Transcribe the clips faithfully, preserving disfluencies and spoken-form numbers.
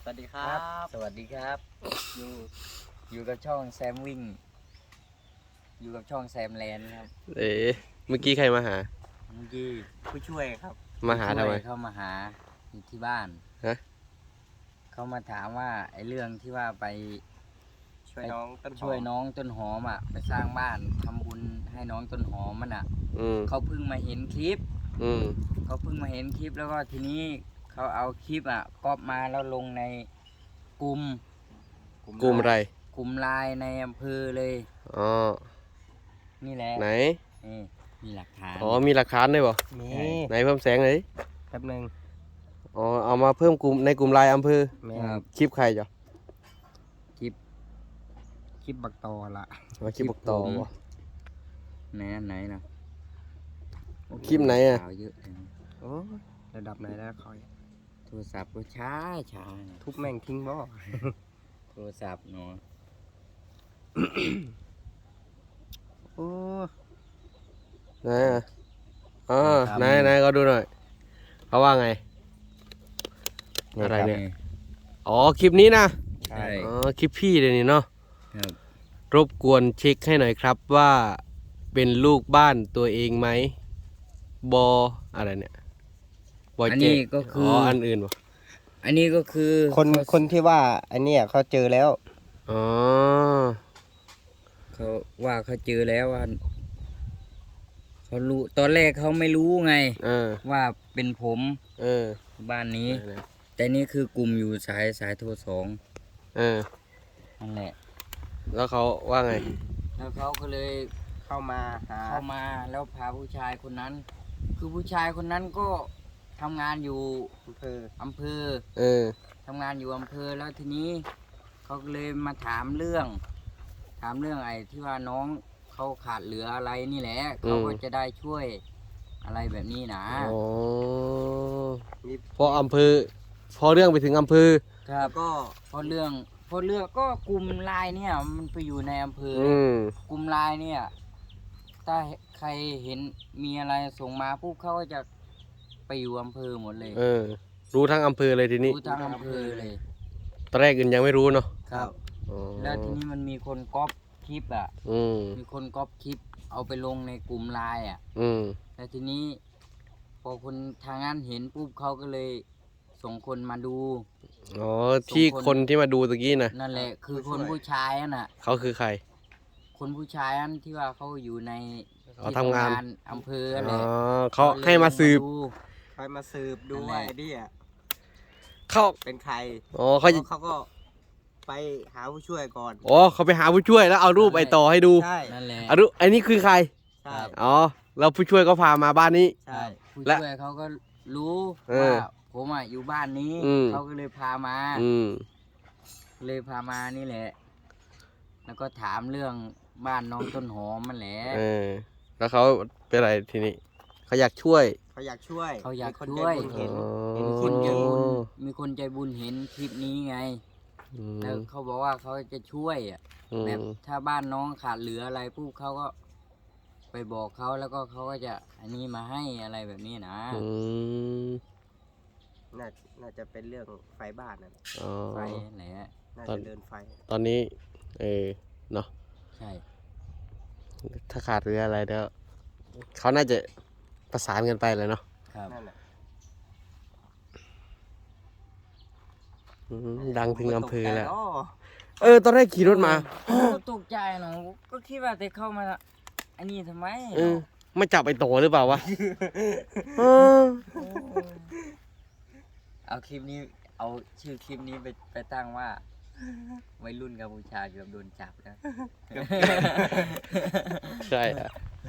วัสดีครับสวัสดีครับอยู่อยู่กับช่องแซมวิ่งอยู่กับช่องแซมแลนด์ครับเอ๋เมื่อกี้ใครมาหาเมื่อกี้ผู้ช่วยครับมาหาทำไมเข้ามาหาอยู่ที่บ้านฮะเขามาถามว่าไอ้เรื่องที่ว่าไปช่วยน้องต้นหอมช่วยน้องต้นหอมอ่ะไปสร้างบ้านทำบุญให้น้องต้นหอมมันอ่ะอืมเขาเพิ่งมาเห็นคลิปอืมเขาเพิ่งมาเห็นคลิปแล้วก็ทีนี้เขาเอาคลิปอ่ะก๊อปมาแล้วลงในกลุ่มกลุ่มอะไรกลุ่มไลน์ในอำเภอเลยอ๋อนี่แหละไหนนี่มีหลักฐานอ๋อมีหลักฐานด้วยบ่มีไหนเพิ่มแสงหน่อยดิแป๊บนึงอ๋อเอามาเพิ่มกลุ่มในกลุ่มไลน์อำเภอแม่ครับคลิปใครจ้ะคลิปคลิปบักตอละมาคลิปบอกต่อบ่ไหนอันไหนนะคลิปไหนอะข่าวเยอะจังโอ้ยระดับไหนแล้วคอยโทรศัพท์ก็ช้าช้าเนี่ยทุบแม่งทิ้งบ่โทรศัพท์เนาะโอ้ไหนอ่ะอ๋อไหนไหนก็ดูหน่อยเขาว่าไง อะไรเนี่ย อ๋อคลิปนี้นะใช่อ๋อคลิปพี่เลยนี่เนาะครับรบกวนเช็คให้หน่อยครับว่าเป็นลูกบ้านตัวเองไหมบออะไรเนี่ยบออันเจนี้ก็คืออ๋อออันอื่นบ่อันนี้ก็คือคนคนที่ว่าอันเนี้ยเขาเจอแล้วอ๋อเขาว่าเขาเจอแล้วว่าเขารู้ตอนแรกเขาไม่รู้ไงเออว่าเป็นผมเออบ้านนี้ไหนแต่นี่คือกลุ่มอยู่สายสายโทรสองๆเออนั่นแหละแล้วเขาว่าไงแล้วเขาก็เลยเข้ามาหาเข้ามาแล้วพาผู้ชายคนนั้น คือผู้ชายคนนั้นก็ทำงานอยู่อำเภออำเภอเออทำงานอยู่อำเภอแล้วทีนี้เขาก็เลยมาถามเรื่อง ถามเรื่องไอ้ที่ว่าน้องเขาขาดเหลืออะไรนี่แหละเขาก็จะได้ช่วยอะไรแบบนี้นะอ๋อมีพออำเภอ พอเรื่องไปถึงอำเภอครับก็เพราะเรื่องเพราะเรื่องก็กลุ่มไลน์เนี่ยมันไปอยู่ในอำเภอออืมกลุ่มไลน์เนี่ยถ้าใครเห็นมีอะไรส่งมาปุ๊บเขาก็จะไปอยู่อำเภอหมดเลยเออ รู้ทั้งอำเภอเลยทีนี้รู้ทั้งอำเภอเลยตอนแรกอื่นยังไม่รู้เนาะครับอ๋อแล้วทีนี้มันมีคนก๊อปคลิปอ่ะอืมมีคนก๊อปคลิปเอาไปลงในกลุ่มไลน์อ่ะอืมแล้วทีนี้ พอคนทางนั้นเห็นปุ๊บเขาก็เลยส่งคนมาดูอ๋อ ที่ส่งคนคนที่มาดูตะกี้นะนั่นแหละ คือคนผู้ชายนั่นน่ะเขาคือใครคนผู้ชายนั่นที่ว่าเขาอยู่ในอ๋อทำงานอำเภอนั่นอ๋แหอละเขาให้มาสืบดูคอยมาสืบดูนั่นแหว่าละไอ้เนี่ยเขาเป็นใครอ๋อเขาจะเขาก็ไปหาผู้ช่วยก่อนอ๋อเขาไปหาผู้ช่วยแล้วเอารูปไอ้ต่อให้ดูใช่นั่นแหละเอารูปไอ้นี่คือใครใช่อ๋อ แล้วผู้ช่วยก็พามาบ้านนี้ใช่ผู้และช่วยเขาก็รู้เออว่าผมอ่ะอยู่บ้านนี้อืมเขาก็เลยพามาอืมเลยพามานี่แหละ แล้วก็ถามเรื่องบ้านน้องต้นหอมมันแหละเออ แล้วเขาเป็นอะไรทีนี้ เขาอยากช่วยเขาอยากช่วยเขาอยากมีคนช่วยใจบุญเห็นอ๋อเห็นมีคคนนใจเยอะบุญมีคนใจบุญเห็นคลิปนี้ไงอืมแล้วเขาบอกว่าเขาจะช่วยอ่ะอืมแบบถ้าบ้านน้องขาดเหลืออะไรปุ๊บเขาก็ ไปบอกเขาแล้วก็เขาก็จะอันนี้มาให้อะไรแบบนี้นะอืมน่าน่าจะเป็นเรื่องไฟบ้านนั่นอ๋อไฟไหนอะน่าตอนจะเดินไฟตอนนี้ เออ เนาะใช่ถ้าขาดหรืออะไรเดี๋ยวเขาน่าจะประสานกันไปเลยเนาะครับนั่นแหละอืมดังถึงอำเภอแล้วตกใจอ๋อเออ ตอนแรกขี่รถมาก็ตกใจเนาะก็คิดว่าจะเข้ามาอันนี้ทำไมเออ ไม่จับไอ้โตหรือเปล่าวะเออเอาคลิปนี้ เอาชื่อคลิปนี้ไปไปตั้งว่าวัยรุ่นกัมพูชาเกือบโดนจับแล้วใช่อะ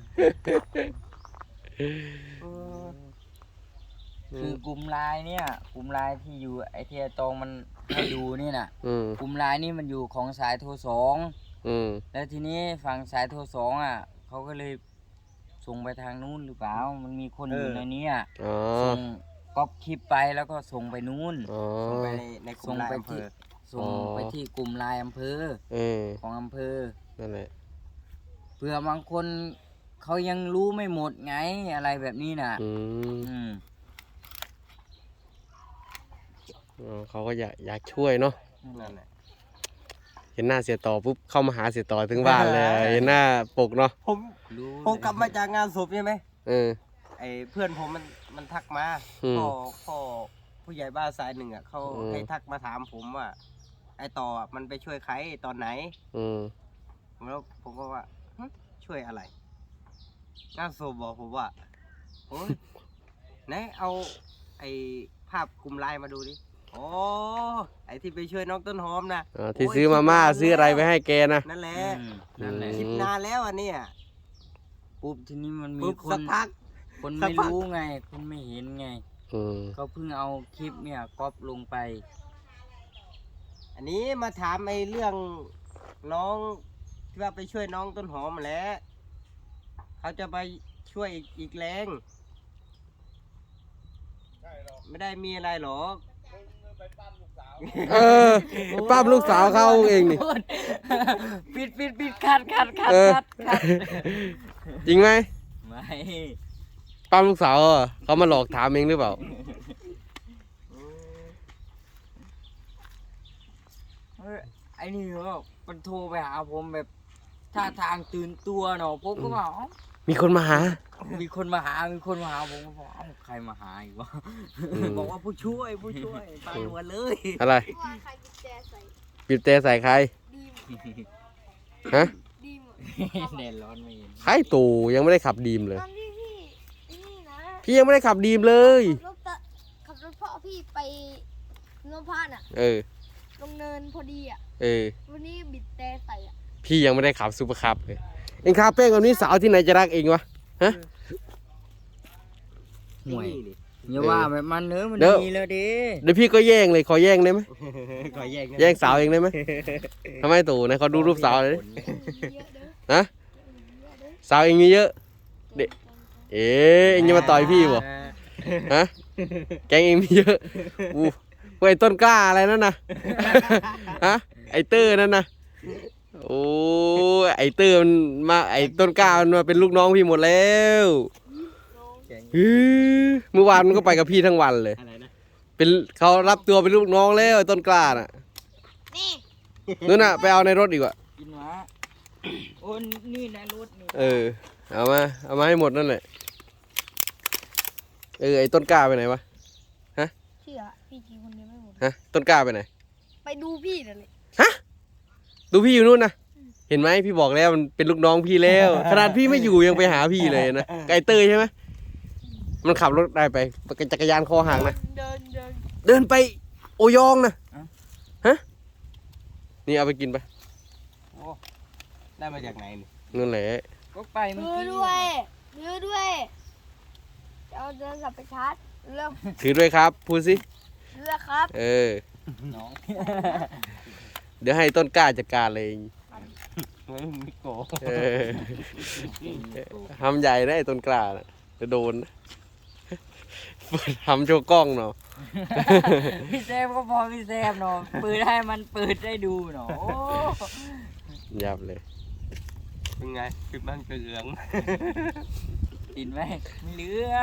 คือกลุ่มไลน์เนี่ย กลุ่มไลน์ที่อยู่ไอเทียตองมันให้ดูนี่น่ะอืมกลุ่มไลน์นี่มันอยู่ของสายโทรสองอืมแล้วทีนี้ฝั่งสายโทรสองอ่ะเขาก็เลยส่งไปทางนู้นหรือเปล่า มันมีคนอยู่ในนี้อ่ะอ๋อส่งก๊อปคลิปไปแล้วก็ส่งไปนู้นอ๋อส่งไปในในกลุ่ส่มงไลน์ไปอำเภที่อส่งอ๋อไปที่กลุ่มไลน์อำเภอเออของอำเภอนั่นแหละเผื่อบางคนเขายังรู้ไม่หมดไงอะไรแบบนี้น่ะอืมอืมอ๋อเขาก็อยากอยากช่วยเนาะนั่นแหละเห็นหน้าเสียต่อปุ๊บเข้ามาหาเสียต่อถึงบ้านเลยเห็นหน้าปกเนาะผมรู้ผมกลับมาจากงานศพใช่ไหมเออไอ้เพื่อนผมมันมันทักมาอืมพ่อพ่อผู้ใหญ่บ้านสายหนึ่งอ่ะเขาอืมให้ทักมาถามผมว่า ไอ้ต่ออะมันไปช่วยใครตอนไหนอืมแล้วผมก็ว่าหึช่วยอะไรงานศพบอกผมว่าโอ้ย ไหนเอาไอ้ภาพกลุ่มไลน์มาดูดิโอ้ไอ้ที่ไปช่วยน้องต้นหอมนะอ่าที่โยซื้อมาม่าคิดนนซื้ออะไรไปให้แกนะนั่นแหละอืมนั่นแหละอืมคิดนานแล้วอันเนี้ยปุ๊บทีนี้มันมีปุ๊บคสันกพักคนสักไม่พักรู้ไง คนไม่เห็นไงอืมเขาเพิ่งเอาคลิปเนี่ยก๊อปลงไปอันนี้มาถามไอ้เรื่องน้องที่ว่าไปช่วยน้องต้นหอมมาแหล้วเขาจะไปช่วยอีกอีกแรงไม่ได้มีอะไรหรอกเออป้าบลูกสาวเขาเองนี่ปิดปิดปิดคัดคัดคัดเออคัดคัดจริงไหมไม่ป้าบลูกสาวเหรอเขามาหลอกถามเองหรือเปล่าเอ้ยไอ้นี่ก็มันโทรไปหาผมแบบท่าทางตื่นตัวเนาะผมก็บอกเอ้ามีคนมาหามีคนมาหา มีคนมาหาผมก็บอกเอ้าใครมาหาอีกวะอืมบอกว่าผู้ช่วยผู้ช่วยปาหนวดเลยอะไรว่าใครกุญแจใส่บีบแต่ใส่ใครดีมฮะดีมแดดร้อนไม่เห็นใครตู่ยังไม่ได้ขับดีมเลยตอนที่พี่นี่นะพี่ยังไม่ได้ขับดีมเลยขับรถตะขับรถพ่อพี่ไปโนพานอ่ะเออลงเนินพอดีอ่ะเออวันนี้บิดแต่ใส่อ่ะพี่ยังไม่ได้ขับซูเปอร์คับเลย เองขับเป้งแบบนี้สาวที่ไหนจะรักเองวะ ฮะห่วยนี่ดิอย่าว่าแบบมันเนื้อะมันเดี๋ยวดีแล้วดิเดี๋ยวพี่ก็แย่งเลย ขอแย่งได้ไหมขอแย่งนะแย่งสาวเองได้ไหมทำไมตู่นะเขาดูรูปสาวเลยดิเยอะเด้อฮะเยอะเด้อสาวเองมีเยอะ เด็ก เอ๊ะเองจะมาต่อยพี่บ่ฮะ แกงเองมีเยอะอู้ไอ้ต้นกล้าอะไรนั่นนะฮะ ไอเตอร์นั่นนะโอ้ไอเตอร์มันมาไอต้นกล้ามันมาเป็นลูกน้องพี่หมดแล้ว ฮือเมื่อวานมันก็ไปกับพี่ทั้งวันเลยอะไรนะเป็นเขารับตัวเป็นลูกน้องแล้วไอ้ต้นกล้าน่ะนี่นู่นน่ะไปเอาในรถดีกว่ากินหมาโอ้นี่นะรถนี่เออ เอามา เอามาให้หมดนั่นแหละ เออไอ้ต้นกล้าไปไหนวะเชื่อพี่กินคนเดียวไม่หมดฮะ ต้นกล้าไปไหนไปดูพี่นั่นเลยดูพี่อยู่นู่นนะ เห็นไหมพี่บอกแล้วมันเป็นลูกน้องพี่แล้ว ขนาดพี่ไม่อยู่ยังไปหาพี่เลยนะไก่เตยใช่ไหมมันขับรถได้ไปจักรยานคอห่างนะเดินเดินเดินไปโอยองนะฮะ นี่เอาไปกินไปโอ้ได้มาจากไหนนี่นั่นแหละก็ไปเมื่อซื้อกี้ด้วยซื้อด้วยจะเอาเดินกลับไปชาร์จเริ่มถือด้วยครับ พูดสิเลือกครับเออน้องเดี๋ยวให้ต้นกล้าจัดการเลยไม่ไม่โกเออทำใหญ่นะไอ้ต้นกล้าน่ะจะโดนนะทำโชว์กล้องเนาะพี่แซมก็พอพี่แซมเนาะเปิดให้มันเปิดได้ดูเนาะโอ้ยับเลยเป็นไงปิดบ้านเกลืองติดไหมไม่เหลือ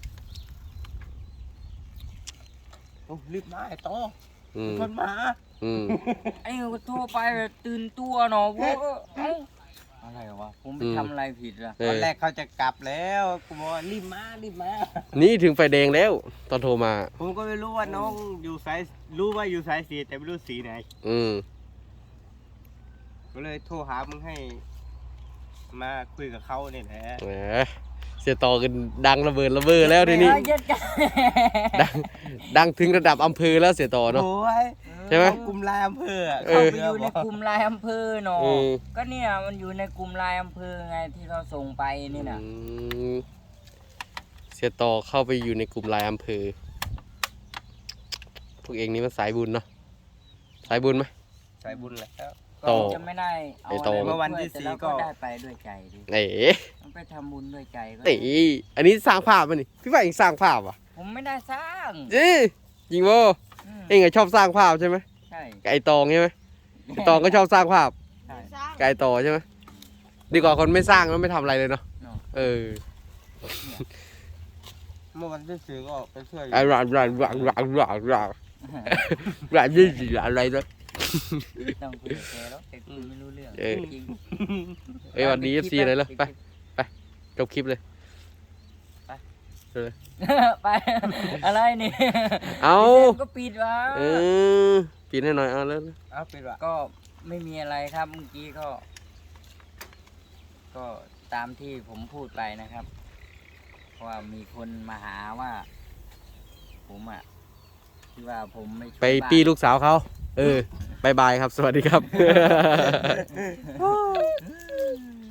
โอ้รีบมาไอ้โตอืมคนมาอืมไอ้ก็โทรไปแบบตื่นตัวเนาะพวกก็เอ้าอะไรวะผมไปอืมทำอะไรผิดล่ะเอตอนอแรกเขาจะกลับแล้วกูบอกว่ารีบมารีบมานี่ถึงไฟแดงแล้ว ตอนโทรมาผมก็ไม่รู้ว่าน้องอยู่สายรู้ว่าอยู่สายสีแต่ไม่รู้สีไหนอืมก็เลยโทรหามึงให้ มาคุยกับเขาเนี่ยแหละแหมเสียต่อกันดังระเบิดระเบ้อแล้วทีนี้ไม่เอาเย็ดกันดังดังถึงระดับอำเภอแล้วเสียต่อเนาะโอ้ยใช่ไหมเขากลุ่มไลายอำเภออะเอเข้าอไปอยู่ในกลุ่มไลน์อำเภอเนาะอืมก็เนี่ยมันอยู่ในกลุ่มไลน์อำเภอไงที่เราส่งไปนี่นะอืมเสียต่อเข้าไปอยู่ในกลุ่มไลน์อำเภอ พวกเองนี่มันสายบุญเนาะ สายบุญไหมสายบุญแหล้วโตก็จะไม่ได้เอาไอ้อะโตไรเมื่อวันมาช่วยที่แต่สี่เราก็ก็ได้ไปด้วยใจดิเอ๋มันไปทำบุญด้วยใจก็เอ๋อันนี้สร้างภาพมันนี่พี่ว่าเองสร้างภาพอ่ะผมไม่ได้สร้างเอ้จริงโวอืมเองอะชอบสร้างภาพใช่ไหมใช่ไก่ตองใช่ไหมไก่ตองก็ชอบสร้างภาพใช่สร้างไก่ต่อใช่ไหมดีกว่าคนไม่สร้างแล้วไม่ทำอะไรเลยเนาะเนาะเออเมื่อวันที่สี่ก็ไปช่วยไอ้รันรันรันรันรันรันแบบนี้สิอะไรนะต้องคุยกับแกแล้วแต่คุยไม่รู้เรื่องเออจริงเอ้ยวันนี้ เอฟ ซี อะไรเหรอไป จบคลิปเลยไป อะไรนี่เอาก็ปิดวะเออปิดให้หน่อยเอาแล้วเอาปิดว่ะก็ไม่มีอะไรครับเมื่อกี้ก็ ก็ตามที่ผมพูดไปนะครับว่ามีคนมาหาว่า ผมอ่ะที่ว่าผมไม่ช่วยไปบ้านตีลูกสาวเขา เออบายบายครับ สวัสดีครับ